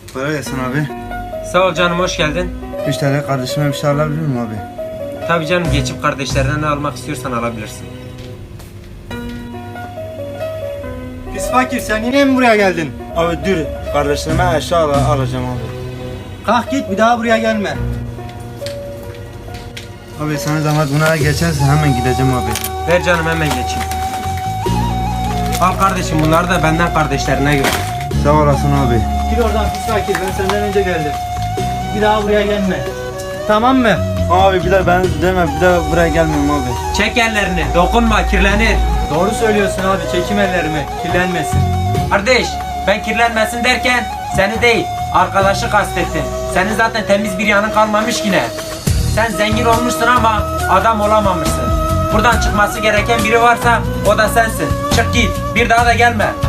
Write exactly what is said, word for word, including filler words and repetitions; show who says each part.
Speaker 1: Kolay gelsin abi.
Speaker 2: Sağ ol canım, hoş geldin.
Speaker 1: üç T L kardeşime bir şey alabilir miyim abi?
Speaker 2: Tabii canım, geçip kardeşlerine ne almak istiyorsan alabilirsin.
Speaker 3: Pis fakir, sen yine mi buraya geldin?
Speaker 1: Abi dur, kardeşlerime eşya al alacağım abi.
Speaker 3: Kalk git, bir daha buraya gelme.
Speaker 1: Abi sana zahmet buna geçerse hemen gideceğim abi.
Speaker 2: Ver canım, hemen geçeyim. Al kardeşim, bunları da benden kardeşlerine gör.
Speaker 1: Sağ olasın abi.
Speaker 3: Gir oradan pis fakir, ben senden önce geldim. Bir daha buraya gelme. Tamam mı?
Speaker 1: Abi bir daha ben deme, bir daha buraya gelmiyorum abi.
Speaker 2: Çek ellerini, dokunma, kirlenir.
Speaker 3: Doğru söylüyorsun abi, çekim ellerimi, kirlenmesin.
Speaker 2: Kardeş, ben kirlenmesin derken seni değil, arkadaşı kastettim. Senin zaten temiz bir yanın kalmamış yine. Sen zengin olmuşsun ama adam olamamışsın. Buradan çıkması gereken biri varsa o da sensin. Çık git, bir daha da gelme.